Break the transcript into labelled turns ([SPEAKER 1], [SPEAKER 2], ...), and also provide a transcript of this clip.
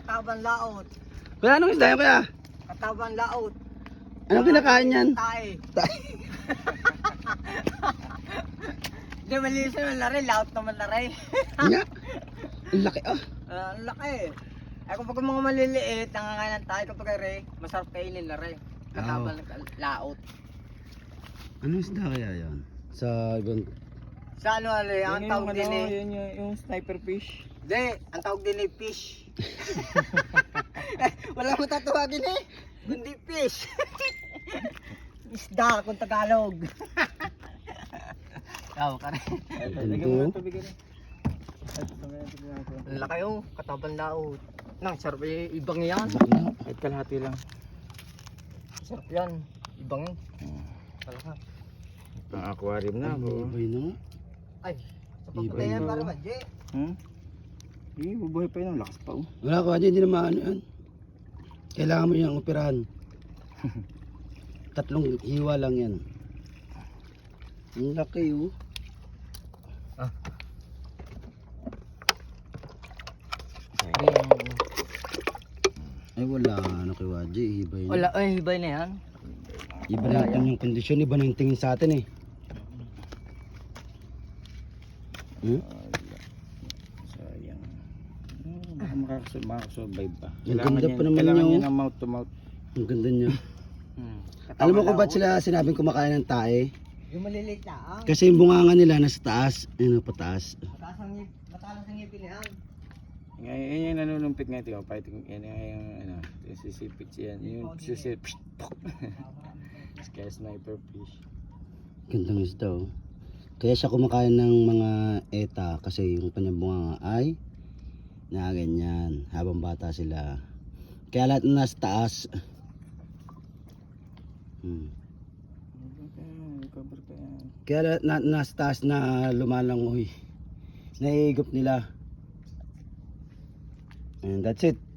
[SPEAKER 1] Katabang laot.
[SPEAKER 2] Kuya, anong isda yan, kuya?
[SPEAKER 1] Katabang laot.
[SPEAKER 2] Anong kinakain yan?
[SPEAKER 1] Tae. Hindi, malinis naman na rin. Laot naman na rin.
[SPEAKER 2] Nga. Ang laki ah.
[SPEAKER 1] Ang laki. Ay kapag mga maliliit, nangangain tayo kapag rin, masarap kainin na rin. Katabang laot.
[SPEAKER 2] Anong isda kaya yan? Sa ibang...
[SPEAKER 1] Sa ano, ang tawag din eh.
[SPEAKER 3] Yun yung sniper fish.
[SPEAKER 1] Hindi, ang tawag din eh, fish. Wala mo tatawagin eh. Kundi fish. Isda kung Tagalog. Tawag ka rin.
[SPEAKER 3] Lagyan mo ng tubig rin.
[SPEAKER 1] Ang laki oh, katabang laot. Nang sarap eh, ibang yan.
[SPEAKER 3] Kahit kalahati lang.
[SPEAKER 1] Sarap yan, ibang yan. Talaga.
[SPEAKER 3] Pang aquarium na ako.
[SPEAKER 2] Ibay na nga.
[SPEAKER 1] Ay, sa pagpatayan para ba, Jay?
[SPEAKER 3] Bubuhay pa yun. Lakas pa oh.
[SPEAKER 2] Wala ko, hindi na maano yan. Kailangan mo yung operahan. 3 hiwa lang yan. Ang laki oh. Ay wala na kay Waji, iba yun.
[SPEAKER 1] Wala, ay, hibay na yan.
[SPEAKER 2] Iba na yung kondisyon, iba na yung tingin sa atin eh.
[SPEAKER 3] Sayang. Makakasurvive pa.
[SPEAKER 2] Ang ganda pa naman
[SPEAKER 3] Kailangan
[SPEAKER 2] niya,
[SPEAKER 3] niya
[SPEAKER 2] oh.
[SPEAKER 3] ng mouth to mouth.
[SPEAKER 2] Ang ganda niya. Alam mo kung ba't sila sinabing kumakain ng tae?
[SPEAKER 1] Yung maliliit lang.
[SPEAKER 2] Kasi yung bunganga nila nasa taas, ayun pataas.
[SPEAKER 1] Matalas ang ngipin yan.
[SPEAKER 3] Ngayon yung nanunumpit nga ito. Fighting yan yung ano, yung sisipit siya. Yung sisipit. Kaya sniper fish.
[SPEAKER 2] Gandang isda oh. Kaya siya kumakain ng mga eta kasi yung kanyang bunganga ay na ganyan habang bata sila. Kaya lahat na nasa taas.
[SPEAKER 3] Recover ka yan.
[SPEAKER 2] Kaya lahat na nasa taas na lumalangoy. Naiigop nila. And that's it.